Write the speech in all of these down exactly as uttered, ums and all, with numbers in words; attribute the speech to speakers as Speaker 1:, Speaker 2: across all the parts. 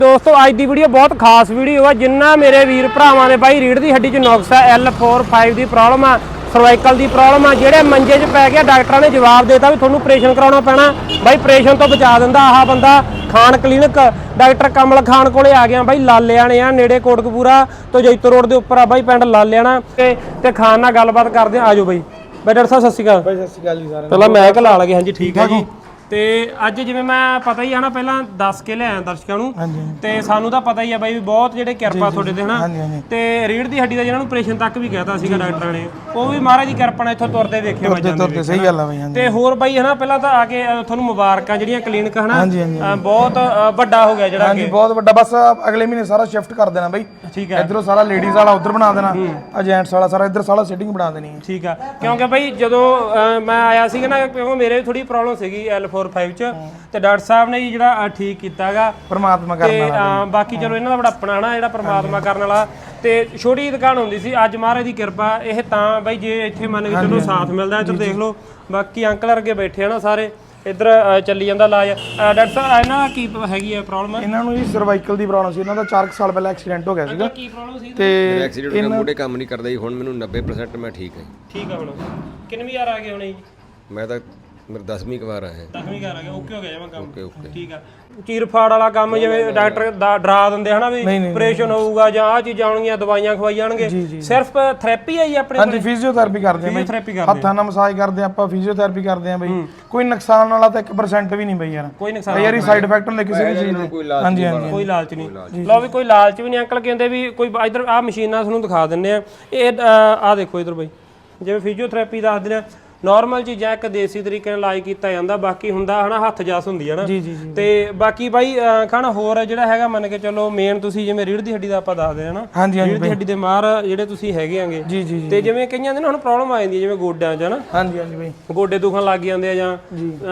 Speaker 1: दोस्तों अज की वीडियो बहुत खास वीडियो है। जिन्ना मेरे वीर भरावां दे बाई रीढ़ की हड्डी च नुक्स है, एल फोर फाइव की प्रॉब्लम है, सर्वाइकल की प्रॉब्लम है, जेडे मंजे च पै गया डॉक्टर ने जवाब देता भी थोनू ऑपरेशन कराना पैना। बाई ऑपरेशन तो बचा दिंदा आह बंदा। खान क्लीनिक डॉक्टर कमल खान कोले आ गया बाई, लालियाने आ नेड़े कोटकपूरा तो जैतो रोड के उपर आ बाई, पिंड लालियाना ते खान नाल गलबात करदे। आ जाओ बाई। बाई डॉक्टर साहब सत श्री अकाल।
Speaker 2: भाई सत श्री अकाल जी सारे।
Speaker 1: पहला मैं ला लगे। हाँ जी ठीक है जी। ਤੇ ਅੱਜ ਜਿਵੇਂ ਮੈਂ ਪਤਾ ਹੀ ਹੈ ਨਾ ਪਹਿਲਾਂ ਦੱਸ ਕੇ ਲਿਆਇਆ ਦਰਸ਼ਕਾਂ ਨੂੰ, ਤੇ ਸਾਨੂੰ ਤਾਂ ਪਤਾ ਹੀ ਹੈ ਬਾਈ ਵੀ ਬਹੁਤ ਜਿਹੜੇ ਕਿਰਪਾ ਤੁਹਾਡੇ ਤੇ ਹਨਾ, ਤੇ ਰੀੜ ਦੀ ਹੱਡੀ ਦਾ ਜਿਹਨਾਂ ਨੂੰ ਆਪਰੇਸ਼ਨ ਤੱਕ ਵੀ ਕਹਿਤਾ ਸੀਗਾ ਡਾਕਟਰਾਂ ਨੇ, ਉਹ ਵੀ ਮਹਾਰਾਜ ਦੀ ਕਿਰਪਾ ਨਾਲ ਇੱਥੋਂ ਤੁਰਦੇ ਵੇਖੇ ਮੈਂ ਜਾਂਦੇ
Speaker 2: ਤੁਰਦੇ। ਸਹੀ ਗੱਲ ਆ ਬਾਈ। ਹਾਂਜੀ।
Speaker 1: ਤੇ ਹੋਰ ਬਾਈ ਹਨਾ ਪਹਿਲਾਂ ਤਾਂ ਆ ਕੇ ਤੁਹਾਨੂੰ ਮੁਬਾਰਕਾਂ ਜਿਹੜੀਆਂ ਕਲੀਨਿਕ ਹਨਾ ਬਹੁਤ ਵੱਡਾ ਹੋ ਗਿਆ ਜਿਹੜਾ।
Speaker 2: ਹਾਂਜੀ ਬਹੁਤ ਵੱਡਾ। ਬਸ ਅਗਲੇ ਮਹੀਨੇ ਸਾਰਾ ਸ਼ਿਫਟ ਕਰ ਦੇਣਾ ਬਾਈ। ਠੀਕ ਹੈ। ਇਧਰੋਂ ਸਾਰਾ ਲੇਡੀਜ਼ ਵਾਲਾ ਉਧਰ ਬਣਾ ਦੇਣਾ, ਆ ਜੈਂਟਸ ਵਾਲਾ ਸਾਰਾ ਇਧਰ ਸਾਰਾ ਸੈਟਿੰਗ ਬਣਾ ਦੇਣੀ ਹੈ। ਠੀਕ
Speaker 1: ਆ। ਕਿਉਂਕਿ ਬਾਈ ਜਦੋਂ ਮੈਂ ਆਇਆ ਸੀਗਾ ਨਾ, ਕਿਉਂਕਿ ਮੇਰੇ ਵੀ ਥੋੜੀ ਪ੍ਰੋਬਲਮ ਸੀਗੀ ਐਲ ਫੋਰ ਫਾਈਵ ਚ, ਤੇ ਡਾਕਟਰ ਸਾਹਿਬ ਨੇ ਜਿਹੜਾ ਠੀਕ ਕੀਤਾਗਾ
Speaker 2: ਪਰਮਾਤਮਾ ਕਰਨ ਵਾਲਾ।
Speaker 1: ਬਾਕੀ ਚਲੋ ਇਹਨਾਂ ਦਾ ਬੜਾ ਆਪਣਾ ਹਨਾ ਜਿਹੜਾ ਪਰਮਾਤਮਾ ਕਰਨ ਵਾਲਾ। ਤੇ ਛੋਟੀ ਦੁਕਾਨ ਹੁੰਦੀ ਸੀ, ਅੱਜ ਮਹਾਰਾਜ ਦੀ ਕਿਰਪਾ ਇਹ ਤਾਂ ਬਾਈ ਜੇ ਇੱਥੇ ਮੰਨ ਕੇ ਚਲੋ ਸਾਥ ਮਿਲਦਾ। ਇੱਧਰ ਦੇਖ ਲਓ ਬਾਕੀ ਅੰਕਲ ਵਰਗੇ ਬੈਠੇ ਆ ਨਾ ਸਾਰੇ, ਇੱਧਰ ਚੱਲੀ ਜਾਂਦਾ ਇਲਾਜ। ਡਾਕਟਰ ਸਾਹਿਬ ਇਹਨਾਂ ਕੀ ਹੈਗੀ ਹੈ ਪ੍ਰੋਬਲਮ?
Speaker 2: ਇਹਨਾਂ ਨੂੰ ਜੀ ਸਰਵਾਈਕਲ ਦੀ ਪ੍ਰੋਬਲਮ ਸੀ। ਇਹਨਾਂ ਦਾ ਚਾਰ ਸਾਲ ਪਹਿਲਾਂ ਐਕਸੀਡੈਂਟ ਹੋ ਗਿਆ ਸੀਗਾ।
Speaker 1: ਕੀ ਪ੍ਰੋਬਲਮ ਸੀ?
Speaker 3: ਤੇ ਐਕਸੀਡੈਂਟ ਨਾਲ ਮੋਢੇ ਕੰਮ ਨਹੀਂ ਕਰਦਾ ਜੀ। ਹੁਣ ਮੈਨੂੰ ਨੱਬੇ ਪਰਸੈਂਟ ਮੈਂ ਠੀਕ ਹਾਂ।
Speaker 1: ਠੀਕ ਆ। ਹੁਣ ਕਿੰਨੀ ਵਾਰ ਆ ਗਏ ਹੁਣੇ ਜੀ?
Speaker 3: ਮੈਂ ਤਾਂ ਮੇਰਾ ਦਸਵੀਂ ਵਾਰ ਆਇਆ।
Speaker 1: ਦਸਵੀਂ ਵਾਰ ਆ ਗਿਆ। ਓਕੇ ਹੋ ਗਿਆ ਜਮਾ ਕੰਮ।
Speaker 3: ਓਕੇ ਓਕੇ
Speaker 1: ਠੀਕ ਆ। ਚੀਰ ਫਾੜ ਵਾਲਾ ਕੰਮ ਜਿਵੇਂ ਡਾਕਟਰ ਡਰਾ ਦਿੰਦੇ ਹਨਾ ਵੀ ਆਪਰੇਸ਼ਨ ਹੋਊਗਾ ਜਾਂ ਆ ਚੀਜ਼ਾਂ ਆਉਣਗੀਆਂ, ਦਵਾਈਆਂ ਖਵਾਈ ਜਾਣਗੇ, ਸਿਰਫ ਥੈਰੇਪੀ ਹੈ ਜੀ ਆਪਣੇ ਕੋਲ?
Speaker 2: ਹਾਂਜੀ ਫਿਜ਼ੀਓਥੈਰੇਪੀ ਕਰਦੇ ਆ ਬਾਈ, ਹੱਥਾਂ ਨਾਲ ਮਸਾਜ ਕਰਦੇ ਆ ਆਪਾਂ, ਫਿਜ਼ੀਓਥੈਰੇਪੀ ਕਰਦੇ ਆ ਬਾਈ। ਕੋਈ ਨੁਕਸਾਨ ਵਾਲਾ ਤਾਂ ਇੱਕ ਪਰਸੈਂਟ ਵੀ ਨਹੀਂ ਬਾਈ ਯਾਰ। ਕੋਈ ਨੁਕਸਾਨ ਯਾਰ ਇਹ ਸਾਈਡ ਇਫੈਕਟ ਹੁੰਦੇ ਕਿਸੇ ਵੀ ਚੀਜ਼ ਦੇ। ਹਾਂਜੀ ਹਾਂਜੀ
Speaker 1: ਕੋਈ ਲਾਲਚ ਨਹੀਂ। ਲਓ ਵੀ ਕੋਈ ਲਾਲਚ ਵੀ ਨਹੀਂ। ਅੰਕਲ ਕਹਿੰਦੇ ਵੀ ਕੋਈ ਇਧਰ ਆ ਮਸ਼ੀਨਾਂ ਤੁਹਾਨੂੰ ਦਿਖਾ ਦਿੰਨੇ ਆ। ਇਹ ਆ ਦੇਖੋ ਇਧਰ ਬਾਈ, ਜਿਵੇਂ ਫਿਜ਼ੀਓਥੈਰੇਪੀ ਦੱਸਦੇ ਨੇ, ਨੋਰਮਲ ਚੀਜ਼ਾਂ ਇੱਕ ਦੇਸੀ ਤਰੀਕੇ ਨਾਲ ਇਲਾਜ ਕੀਤਾ ਜਾਂਦਾ, ਬਾਕੀ ਹੁੰਦਾ ਹਨਾ ਹੱਥ ਜਸ ਹੁੰਦੀ ਹੈ ਨਾ। ਤੇ ਬਾਕੀ ਬਾਈ ਖਾਣਾ ਹੋਰ ਜਿਹੜਾ ਹੈਗਾ ਮੰਨ ਕੇ ਚਲੋ ਮੇਨ ਤੁਸੀਂ ਜਿਵੇਂ ਰੀੜ ਦੀ ਹੱਡੀ ਦਾ ਆਪਾਂ ਦੱਸਦੇ ਹਾਂ ਨਾ, ਰੀੜ ਦੀ ਹੱਡੀ ਦੇ ਮਾਹਰ ਜਿਹੜੇ ਤੁਸੀਂ ਹੈਗੇ ਆਂਗੇ। ਤੇ ਜਿਵੇਂ ਕਈਆਂ ਦੇ ਨਾ ਹੁਣ ਪ੍ਰੋਬਲਮ ਆ ਜਾਂਦੀ ਹੈ ਜਿਵੇਂ ਗੋਡਿਆਂ 'ਚ ਹਨਾ।
Speaker 2: ਹਾਂਜੀ ਹਾਂਜੀ ਬਾਈ
Speaker 1: ਗੋਡੇ ਦੁਖਣ ਲੱਗ ਜਾਂਦੇ ਆ ਜਾਂ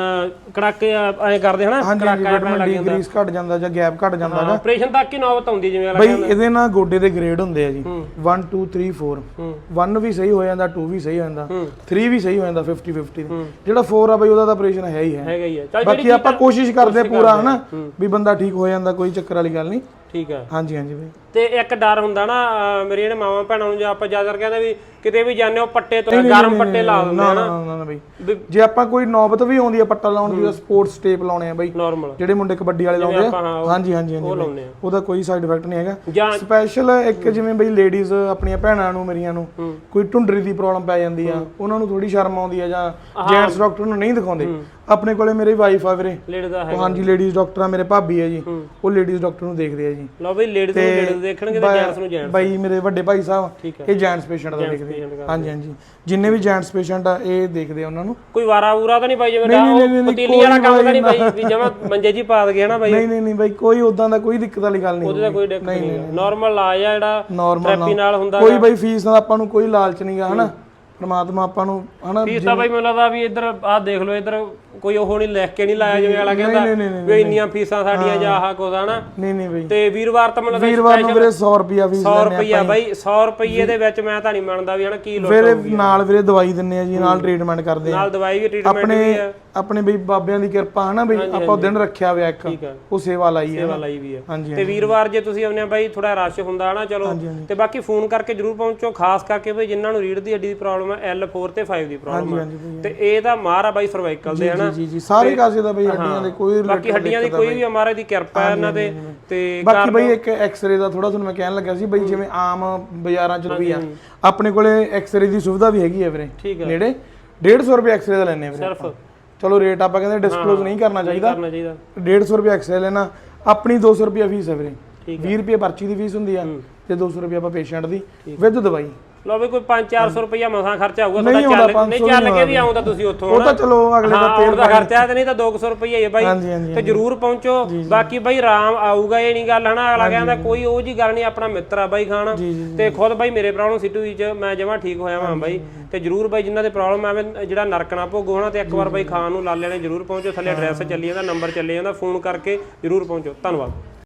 Speaker 1: ਕੜਾਕੇ ਐਂ ਕਰਦੇ ਹਨਾ, ਕੜਾਕਾ ਪੈਣ ਲੱਗ ਜਾਂਦਾ,
Speaker 2: ਗ੍ਰੀਸ ਘਟ ਜਾਂਦਾ ਜਾਂ ਗੈਪ ਘਟ ਜਾਂਦਾ ਹੈਗਾ।
Speaker 1: ਆਪਰੇਸ਼ਨ ਤੱਕ ਹੀ ਨੌਬਤ ਆਉਂਦੀ ਜਿਵੇਂ
Speaker 2: ਬਾਈ। ਇਹਦੇ ਨਾਲ ਗੋਡੇ ਦੇ ਗ੍ਰੇਡ ਹੁੰਦੇ ਆ ਜੀ, one two three four। one ਵੀ ਸਹੀ ਹੋ ਜਾਂਦਾ, two ਵੀ ਸਹੀ ਹੋ ਜਾਂਦਾ, three ਵੀ ਸਹੀ ਹੋ ਜਾਂਦਾ, fifty fifty। ਜਿਹੜਾ four ਆ ਬਈ ਉਹਦਾ ਤਾਂ ਆਪਰੇਸ਼ਨ ਹੈ ਹੀ ਹੈ
Speaker 1: ਹੈਗਾ ਹੀ ਹੈ।
Speaker 2: ਬਾਕੀ ਆਪਾਂ ਕੋਸ਼ਿਸ਼ ਕਰਦੇ ਪੂਰਾ ਹਨਾ ਵੀ ਬੰਦਾ ਠੀਕ ਹੋ ਜਾਂਦਾ, ਕੋਈ ਚੱਕਰ ਵਾਲੀ ਗੱਲ ਨਹੀਂ।
Speaker 1: ਠੀਕ ਆ।
Speaker 2: ਹਾਂਜੀ ਹਾਂਜੀ ਬਾਈ।
Speaker 1: ਤੇ ਇੱਕ ਡਰ ਹੁੰਦਾ ਨਾ ਮੇਰੇ ਜਿਹੜੇ ਮਾਵਾਂ ਭੈਣਾਂ ਨੂੰ, ਜੇ ਆਪਾਂ ਜ਼ਿਆਦਾ ਕਹਿੰਦੇ ਵੀ ਕਿਤੇ ਵੀ ਜਾਂਦੇ ਹੋ ਪੱਟੇ ਤੋਂ ਗਰਮ ਪੱਟੇ ਲਾ ਦਿੰਦੇ ਆ ਨਾ
Speaker 2: ਨਾ ਬਈ। ਜੇ ਆਪਾਂ ਕੋਈ ਨੌਬਤ ਵੀ ਆਉਂਦੀ ਆ ਪੱਟਾ ਲਾਉਣ ਦੀ, ਸਪੋਰਟਸ ਟੇਪ ਲਾਉਣੇ ਆ ਬਈ, ਨਾਰਮਲ ਜਿਹੜੇ ਮੁੰਡੇ ਕਬੱਡੀ ਵਾਲੇ ਲਾਉਂਦੇ ਆ। ਹਾਂਜੀ ਹਾਂਜੀ ਹਾਂਜੀ ਉਹਦਾ ਕੋਈ ਸਾਈਡ ਇਫੈਕਟ ਨਹੀਂ ਹੈਗਾ। ਸਪੈਸ਼ਲ ਇੱਕ ਜਿਵੇਂ ਬਈ ਲੇਡੀਜ਼ ਆਪਣੀਆਂ ਭੈਣਾਂ ਨੂੰ ਮੇਰੀਆਂ ਨੂੰ ਕੋਈ ਢੁੰਡਰੀ ਦੀ ਪ੍ਰੋਬਲਮ ਪੈ ਜਾਂਦੀ ਆ, ਉਹਨਾਂ ਨੂੰ ਥੋੜੀ ਸ਼ਰਮ ਆਉਂਦੀ ਆ ਜਾਂ ਜੈਂਟਸ ਡਾਕਟਰ ਨੂੰ ਨਹੀਂ ਦਿਖਾਉਂਦੇ, ਆਪਣੇ ਕੋਲੇ ਮੇਰੀ ਵਾਈਫ ਆ ਵੀਰੇ। ਹਾਂਜੀ ਲੇਡੀਜ਼ ਡਾਕਟਰ ਆ, ਮੇਰੇ ਭਾਬੀ ਆ ਜੀ, ਉਹ ਲੇਡੀਜ਼ ਡਾਕਟਰ ਨੂੰ ਦੇਖਦੇ ਆ ਜੀ।
Speaker 1: ਲਓ ਬਈ ਲੇਡੀਜ਼ ਨੂੰ ਲੇਡੀਜ਼ ਦੇਖਣਗੇ ਤੇ ਜੈਂਟਸ ਨੂੰ ਜੈਂਟਸ।
Speaker 2: ਬਾਈ ਮੇਰੇ ਵੱਡੇ ਭਾਈ ਸਾਹਿਬ ਇਹ ਜੈਂਟਸ ਪੇਸ਼ੈਂਟ ਦਾ ਦੇਖਦੇ ਆ। ਹਾਂਜੀ ਹਾਂਜੀ ਜਿੰਨੇ ਵੀ ਜੈਂਟਸ ਪੇਸ਼ੈਂਟ ਆ ਇਹ ਦੇਖਦੇ ਆ ਉਹਨਾਂ ਨੂੰ।
Speaker 1: ਕੋਈ ਵਾਰਾ ਵੂਰਾ ਤਾਂ ਨਹੀਂ ਬਾਈ ਜਿਵੇਂ ਪਤੀਲੀ ਵਾਲਾ ਕੰਮ ਤਾਂ ਨਹੀਂ ਬਾਈ ਵੀ ਜਮਾ ਮੰਜੇ ਜੀ ਪਾ ਦਗੇ ਹਨਾ ਬਾਈ? ਨਹੀਂ
Speaker 2: ਨਹੀਂ ਨਹੀਂ ਬਾਈ ਕੋਈ ਉਦਾਂ ਦਾ ਕੋਈ ਦਿੱਕਤ ਵਾਲੀ ਗੱਲ ਨਹੀਂ।
Speaker 1: ਉਹਦੇ ਦਾ ਕੋਈ ਦਿੱਕਤ ਨਹੀਂ। ਨਾਰਮਲ ਇਲਾਜ ਆ ਜਿਹੜਾ ਥੈਰੇਪੀ ਨਾਲ ਹੁੰਦਾ।
Speaker 2: ਕੋਈ ਬਾਈ ਫੀਸ ਦਾ ਆਪਾਂ ਨੂੰ ਕੋਈ ਲਾਲਚ ਨਹੀਂਗਾ ਹਨਾ। ਪਰਮਾਤਮਾ ਆਪਾਂ ਨੂੰ ਹਨਾ
Speaker 1: ਫੀਸ ਤਾਂ ਬਾਈ ਮੈਨੂੰ ਲੱਗਦਾ ਵੀ ਇੱਧਰ ਆਹ ਦੇਖ ਲਓ, ਇੱਧਰ ਕੋਈ ਉਹ ਨਹੀਂ ਲਿਖ ਕੇ ਨਹੀਂ ਲਾਇਆ ਜਿਵੇਂ ਵਾਲਾ ਕਹਿੰਦਾ ਵੀ ਇੰਨੀਆਂ ਫੀਸਾਂ ਸਾਡੀਆਂ ਜਾਂ ਆਹ ਕੁਝ ਹਨਾ। ਨਹੀਂ ਨਹੀਂ ਬਾਈ। ਤੇ ਵੀਰਵਾਰ ਤਾਂ ਮੈਨੂੰ ਲੱਗਦਾ
Speaker 2: ਵੀਰਵਾਰ ਨੂੰ ਵੀਰੇ ਸੌ ਰੁਪਿਆ ਫੀਸ
Speaker 1: ਸੌ ਰੁਪਿਆ ਬਾਈ। ਸੌ ਰੁਪਏ ਦੇ ਵਿੱਚ ਮੈਂ ਤਾਂ ਨਹੀਂ ਮੰਨਦਾ ਵੀ ਹਨਾ ਕੀ ਲੋੜ
Speaker 2: ਵੀਰੇ। ਨਾਲ ਵੀਰੇ ਦਵਾਈ ਦਿੰਨੇ ਆ ਜੀ, ਨਾਲ ਟ੍ਰੀਟਮੈਂਟ ਕਰਦੇ ਆ,
Speaker 1: ਨਾਲ ਦਵਾਈ ਵੀ ਟ੍ਰੀਟਮੈਂਟ ਵੀ ਆ।
Speaker 2: ਆਪਣੇ ਬਈ ਬਾਬਿਆਂ ਦੀ ਕਿਰਪਾ ਹਨਾ ਬਈ, ਆਪਾਂ ਦਿਨ ਰੱਖਿਆ ਹੋਇਆ ਇੱਕ, ਉਹ ਸੇਵਾ ਲਾਈ ਹੈ।
Speaker 1: ਸੇਵਾ ਲਾਈ ਵੀ ਹੈ। ਤੇ ਵੀਰਵਾਰ ਜੇ ਤੁਸੀਂ ਆਉਂਦੇ ਆ ਬਾਈ ਥੋੜਾ ਰਸ਼ ਹੁੰਦਾ ਹਨਾ ਚਲੋ, ਤੇ ਬਾਕੀ ਫੋਨ ਕਰਕੇ ਜਰੂਰ ਪਹੁੰਚੋ, ਖਾਸ ਕਰਕੇ ਬਈ ਜਿਨ੍ਹਾਂ ਨੂੰ ਰੀੜ ਦੀ ਹੱਡੀ ਦੀ ਪ੍ਰੋਬਲਮ ਹੈ, ਐਲ ਫੋਰ ਤੇ ਫਾਈਵ ਦੀ ਪ੍ਰੋਬਲਮ ਹੈ, ਤੇ ਇਹ ਤਾਂ ਮਾਰ ਆ ਬਾਈ ਸਰਵਾਈਕਲ ਦੇ ਹਨਾ।
Speaker 2: ਜੀ ਜੀ ਸਾਰੇ ਕਾਸੇ ਦਾ ਬਈ ਹੱਡੀਆਂ ਦੇ ਕੋਈ
Speaker 1: ਬਾਕੀ ਹੱਡੀਆਂ ਦੀ ਕੋਈ ਵੀ ਮਹਾਰਾਜ ਦੀ ਕਿਰਪਾ ਹੈ ਇਹਨਾਂ ਤੇ। ਤੇ
Speaker 2: ਬਾਕੀ ਬਈ ਇੱਕ ਐਕਸ-ਰੇ ਦਾ ਥੋੜਾ ਤੁਹਾਨੂੰ ਮੈਂ ਕਹਿਣ ਲੱਗਾ ਸੀ ਬਈ, ਜਿਵੇਂ ਆਮ ਬਾਜ਼ਾਰਾਂ 'ਚ ਵੀ ਆ, ਆਪਣੇ ਕੋਲੇ ਐਕਸ-ਰੇ ਦੀ ਸੁਵਿਧਾ ਵੀ ਹੈਗੀ ਹੈ ਵੀਰੇ ਨੇੜੇ। ਡੇਢ ਸੌ ਰੁਪਏ ਐਕਸ-ਰੇ ਦਾ ਲੈਣੇ ਵੀਰੇ ਸਿਰਫ। ਚਲੋ ਰੇਟ ਆਪਾਂ ਕਹਿੰਦੇ ਡਿਸਕਲੋਜ਼ ਨਹੀਂ ਕਰਨਾ ਚਾਹੀਦਾ। ਡੇਢ ਸੌ ਰੁਪਏ ਐਕਸ-ਰੇ ਲੈਣਾ, ਆਪਣੀ ਦੋ ਸੌ ਰੁਪਏ ਫੀਸ ਹੈ ਵੀਰੇ। ਵੀਹ ਰੁਪਏ ਪਰਚੀ ਦੀ ਫੀਸ ਹੁੰਦੀ ਆ ਤੇ ਦੋ ਸੌ ਰੁਪਏ ਆਪਾਂ ਪੇਸ਼ੈਂਟ ਦੀ ਵਿਦ ਦਵਾਈ। ਲਓ ਵੀ ਕੋਈ ਪੰਜ ਚਾਰ ਸੌ ਰੁਪਇਆ ਮਸਾਂ ਖਰਚਾ ਹੋਊਗਾ ਤੁਹਾਡਾ। ਚੱਲ ਨਹੀਂ ਚੱਲ ਕੇ ਵੀ ਆਉਂਦਾ ਤੁਸੀਂ ਉੱਥੋਂ, ਉਹ ਤਾਂ ਚਲੋ ਅਗਲੇ ਦਾ ਤੇਲ ਦਾ ਖਰਚਾ ਤੇ ਨਹੀਂ ਤਾਂ ਦੋ ਸੌ ਰੁਪਇਆ ਹੈ ਬਾਈ। ਤੇ ਜਰੂਰ ਪਹੁੰਚੋ। ਬਾਕੀ ਬਾਈ ਆਰਾਮ ਆਊਗਾ, ਇਹ ਨਹੀਂ ਗੱਲ ਹਨਾ ਅਗਲਾ ਕਹਿੰਦਾ ਕੋਈ ਉਹ ਜੀ ਗੱਲ ਨਹੀਂ। ਆਪਣਾ ਮਿੱਤਰ ਆ ਬਾਈ ਖਾਨ, ਤੇ ਖੁਦ ਬਾਈ ਮੇਰੇ ਪ੍ਰੋਬਲਮ ਸਿੱਟੂ ਵਿੱਚ ਮੈਂ ਜਮਾ ਠੀਕ ਹੋਇਆ ਵਾਂ ਬਾਈ। ਤੇ ਜਰੂਰ ਬਾਈ ਜਿਨ੍ਹਾਂ ਦੇ ਪ੍ਰੋਬਲਮ ਆਵੇ ਜਿਹੜਾ ਨਰਕ ਨਾ ਭੋਗੋ ਹਨਾ, ਤੇ ਇੱਕ ਵਾਰ ਬਾਈ ਖਾਨ ਨੂੰ ਲਾਲਿਆਂ ਨੇ ਜਰੂਰ ਪਹੁੰਚੋ। ਥੱਲੇ ਐਡਰੈਸ ਚੱਲੀ ਜਾਂਦਾ, ਨੰਬਰ ਚੱਲੀ ਜਾਂਦਾ, ਫੋਨ ਕਰਕੇ ਜਰੂਰ ਪਹੁੰਚੋ। ਧੰਨਵਾਦ।